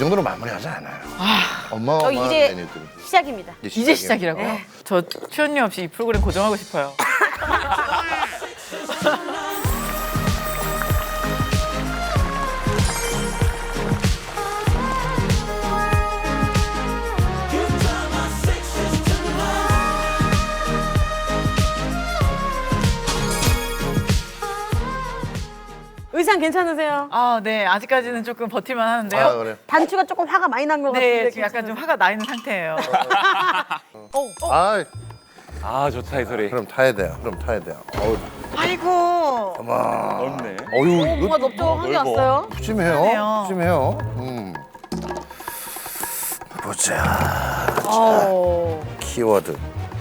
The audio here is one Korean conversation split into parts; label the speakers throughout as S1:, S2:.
S1: 정도로 마무리하지 않아요.
S2: 저
S1: 어마어마한
S2: 이제
S1: 메뉴들.
S2: 시작입니다.
S3: 이제 시작이라고요?
S2: 네.
S3: 저 출연료 없이 이 프로그램 고정하고 싶어요.
S2: 의상 괜찮으세요?
S3: 아, 네. 아직까지는 조금 버틸만 하는데요.
S1: 아 그래.
S2: 단추가 조금 화가 많이 난 것 같은데.
S3: 네, 지금 약간 좀 화가 나 있는 상태예요.
S1: 아
S4: 아 좋다 이 소리.
S1: 그럼 타야 돼요. 그럼 타야 돼요. 어우,
S3: 아이고.
S1: 어마.
S4: 넓네.
S1: 어유
S2: 뭔가
S1: 이거
S2: 넓적한 게
S4: 넓어.
S2: 왔어요.
S1: 푸짐해요.
S3: 그러네요.
S1: 푸짐해요. 보자. 키워드.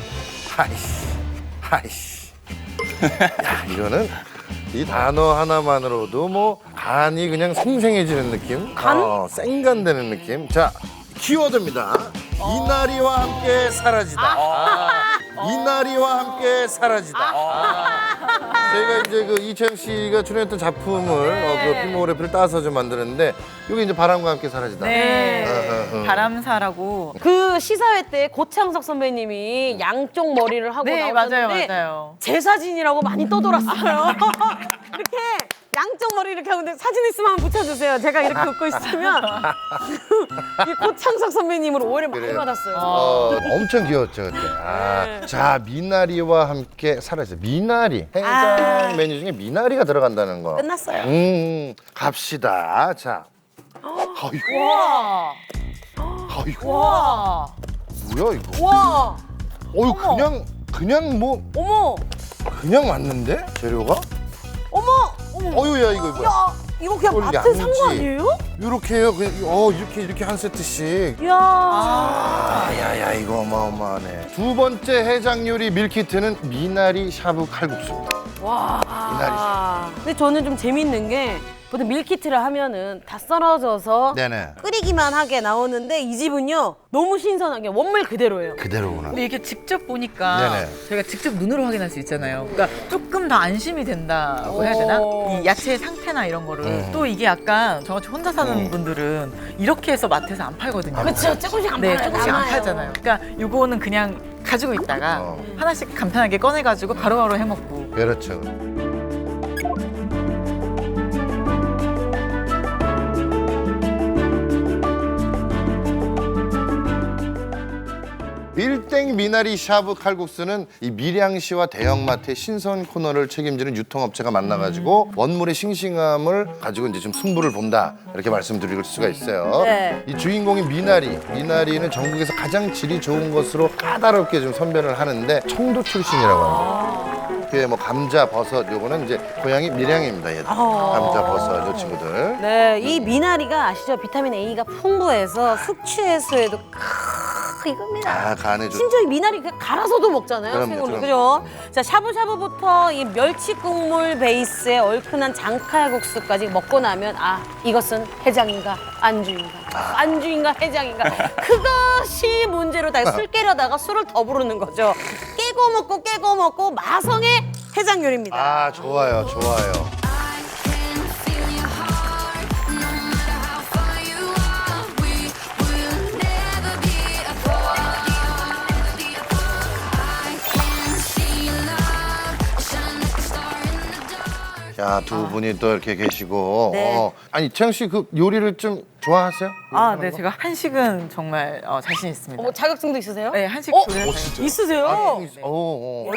S1: 하이씨. 야 이거는 이 단어 하나만으로도 뭐 간이 그냥 생생해지는 느낌.
S2: 간?
S1: 생간되는 느낌. 자 키워드입니다. 이날이와 함께 사라지다. 이날이와 함께 사라지다. 저희가 이제 그 이채영 씨가 출연했던 작품을 그 필모그래피를 따서 좀 만드는데 이게 이제 바람과 함께 사라지다.
S3: 네. 바람사라고.
S2: 그 시사회 때 고창석 선배님이 양쪽 머리를 하고
S3: 네,
S2: 나오셨는데
S3: 맞아요.
S2: 제 사진이라고 많이 떠돌았어요. 이렇게 양쪽 머리 이렇게 하는데 사진 있으면 한번 붙여주세요. 제가 이렇게 웃고 있으면 이 고창석 선배님으로 오해를 많이
S1: 그래요?
S2: 받았어요.
S1: 엄청 귀여웠죠 그때. 자 미나리와 함께 사라지다. 미나리 해장 메뉴 중에 미나리가 들어간다는 거.
S2: 끝났어요.
S1: 갑시다. 자. 아이고.
S3: 와.
S1: 아이고.
S3: 와.
S1: 뭐야 이거?
S2: 와,
S1: 어유 그냥 뭐
S2: 어머,
S1: 그냥 왔는데 재료가?
S2: 어머,
S1: 어유야 이거 뭐야?
S2: 야, 이거 그냥
S1: 이걸
S2: 마트 산 거
S1: 양지.
S2: 아니에요?
S1: 이렇게 해요. 그냥 이렇게 한 세트씩.
S2: 이야.
S1: 야야 이거 어마어마하네. 두 번째 해장 요리 밀키트는 미나리 샤브 칼국수입니다.
S2: 와.
S1: 미나리
S2: 근데 저는 좀 재밌는 게 보통 밀키트를 하면은 다 썰어져서
S1: 네네.
S2: 끓이기만 하게 나오는데 이 집은요 너무 신선하게 원물 그대로예요.
S1: 그대로구나.
S3: 근데 이렇게 직접 보니까
S1: 네네.
S3: 저희가 직접 눈으로 확인할 수 있잖아요. 그러니까 조금 더 안심이 된다고 해야 되나? 이 야채의 상태나 이런 거를. 또 이게 약간 저같이 혼자 사는 분들은 이렇게 해서 마트에서 안 팔거든요.
S2: 그렇죠. 조금씩 안
S3: 네,
S2: 팔아요.
S3: 조금씩 안
S2: 남아요.
S3: 팔잖아요. 그러니까 요거는 그냥 가지고 있다가 하나씩 간편하게 꺼내가지고 바로바로 해먹고.
S1: 그렇죠. 밀땡 미나리 샤브 칼국수는 이 밀양시와 대형마트의 신선 코너를 책임지는 유통업체가 만나가지고 원물의 싱싱함을 가지고 이제 좀 승부를 본다 이렇게 말씀드릴 수가 있어요.
S2: 네.
S1: 이 주인공인 미나리는 전국에서 가장 질이 좋은 것으로 까다롭게 좀 선별을 하는데 청도 출신이라고 합니다. 그게 뭐 감자, 버섯 요거는 이제 고향이 밀양입니다. 얘들. 감자, 버섯 요 친구들.
S2: 네, 이 미나리가 아시죠? 비타민 A가 풍부해서 숙취 해소에도 이겁니다.
S1: 아 간에 좋.
S2: 심지어 이 미나리 그냥 갈아서도 먹잖아요.
S1: 그럼요,
S2: 생으로.
S1: 그럼요.
S2: 그죠? 자, 샤브샤브부터 이 멸치 국물 베이스의 얼큰한 장칼국수까지 먹고 나면 아, 이것은 해장인가 안주인가 안주인가 해장인가 그것이 문제로 다 술 깨려다가 술을 더 부르는 거죠. 깨고 먹고 마성의 해장 요리입니다.
S1: 아 좋아요, 좋아요.
S5: I can feel your heart, no matter how far you are. We will never be apart. I can see your love shine like a star in the dark.
S1: 자, 두 분이 또 이렇게 계시고.
S2: 네.
S1: 아니, 채영 씨 그 요리를 좀 좋아하세요?
S3: 아, 네. 제가 한식은 정말 자신 있습니다.
S2: 어머, 자격증도 있으세요?
S3: 네, 한식 조리할 자격증.
S2: 있으세요?
S1: 오.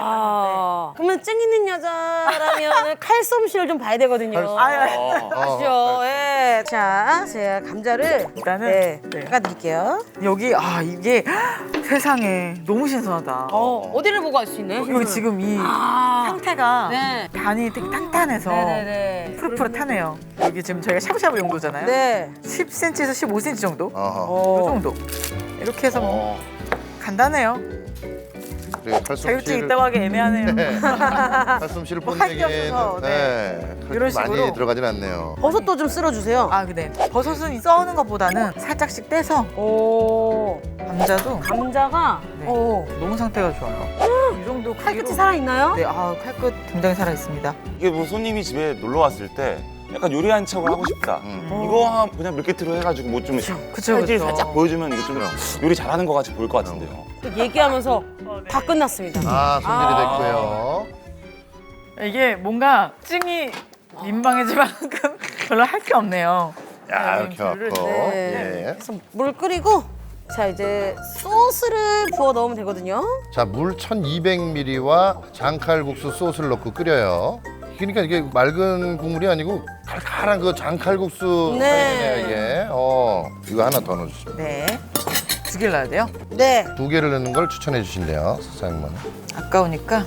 S2: 그러면 증 있는 여자라면 칼솜씨를 좀 봐야 되거든요. 아시죠? 예. 자, 제가 감자를
S3: 일단은 네.
S2: 깎아드릴게요.
S3: 여기 이게 세상에 너무 신선하다.
S2: 어디를 보고 알 수 있나요?
S3: 여기 지금 이 상태가
S2: 네.
S3: 간이 되게 탄탄해서
S2: 네네네.
S3: 푸릇푸릇하네요. 여기 지금 저희가 샤브샤브 용도잖아요.
S2: 네.
S3: 10cm에서 15cm 정도?
S1: 어허.
S3: 이 정도. 이렇게 해서 뭐 간단해요.
S1: 그리고
S3: 자격증
S1: 칼솜씨를
S3: 있다고 하기 애매하네요.
S1: 칼솜씨를
S3: 뭐할게
S1: 뽐내기에는
S3: 없어서,
S1: 그렇게
S3: 이런
S1: 많이
S3: 식으로.
S1: 들어가진 않네요.
S2: 버섯도 좀 쓸어주세요.
S3: 아, 근데 버섯은 써는 것보다는 살짝씩 떼서
S2: 오.
S3: 감자도
S2: 감자가
S3: 네.
S2: 오.
S3: 너무 상태가 좋아요. 이 정도
S2: 칼끝이
S3: 크기로.
S2: 살아있나요?
S3: 네, 칼끝 굉장히 살아 있습니다.
S4: 이게 뭐 손님이 집에 놀러 왔을 때 약간 요리한 척을 하고 싶다. 이거 그냥 밀키트로 해가지고 뭐 좀
S3: 그쵸,
S4: 살질
S3: 그쵸.
S4: 살짝 보여주면 이게 좀 요리 잘하는 것 같이 보일 것 같은데요.
S2: 얘기하면서 다 끝났습니다.
S1: 아, 손질이 됐고요.
S3: 이게 뭔가 찡이 민방해지만큼 별로 할 게 없네요.
S1: 야, 이렇게 갖고.
S2: 네.
S1: 예.
S2: 그래서 물 끓이고 자 이제 소스를 부어 넣으면 되거든요.
S1: 자, 물 1200ml와 장칼국수 소스를 넣고 끓여요. 그러니까 이게 맑은 국물이 아니고 칼칼한 그 장칼국수
S2: 네.
S1: 사이네요, 이게. 이거 하나 더 넣어주시면.
S3: 네. 2개를 넣어야 돼요?
S2: 네.
S1: 2개를 넣는 걸 추천해 주신대요, 사장님은.
S3: 아까우니까.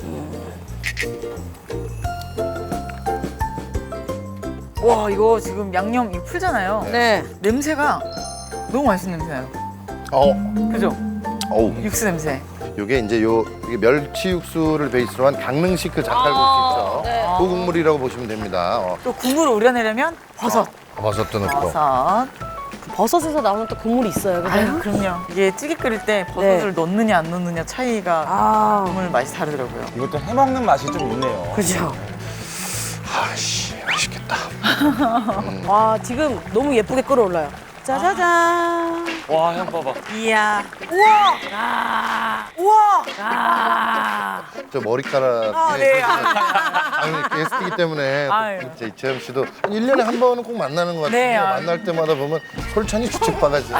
S3: 와, 이거 지금 양념 이거 풀잖아요.
S2: 네.
S3: 냄새가 너무 맛있는 냄새나요. 그죠?
S1: 어우.
S3: 육수 냄새.
S1: 요게 이제 이게 멸치 육수를 베이스로 한 강릉식 그 장칼국수 있죠.
S2: 네.
S1: 그 국물이라고 보시면 됩니다.
S3: 또 국물을 우려내려면 버섯.
S1: 버섯도 넣고.
S3: 버섯.
S2: 버섯에서 나오는 또 국물이 있어요. 그죠?
S3: 아유, 그럼요. 이게 찌개 끓일 때 버섯을 넣느냐 안 넣느냐 차이가
S2: 아,
S3: 국물 맛이 다르더라고요.
S4: 이것도 해먹는 맛이 좀 있네요.
S2: 그죠.
S1: 아씨, 맛있겠다.
S2: 와 지금 너무 예쁘게 끓어올라요. 짜자잔.
S4: 와, 향 봐봐.
S3: 이야.
S2: 우와. 아.
S3: 우와.
S2: 아.
S1: 저 머리카락.
S3: 아, 네.
S1: 아니, 게스트이기 때문에
S3: 아유.
S1: 또 이채영 씨도 한 1년에 한 번은 꼭 만나는 것 같아요.
S3: 네, 아유.
S1: 만날 때마다 보면 솔찬히 주책바가지예요.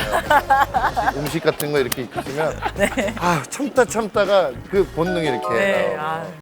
S1: 음식 같은 거 이렇게 있으면 아, 참다가 그 본능이 이렇게
S3: 네.
S1: 나오고.
S3: 아.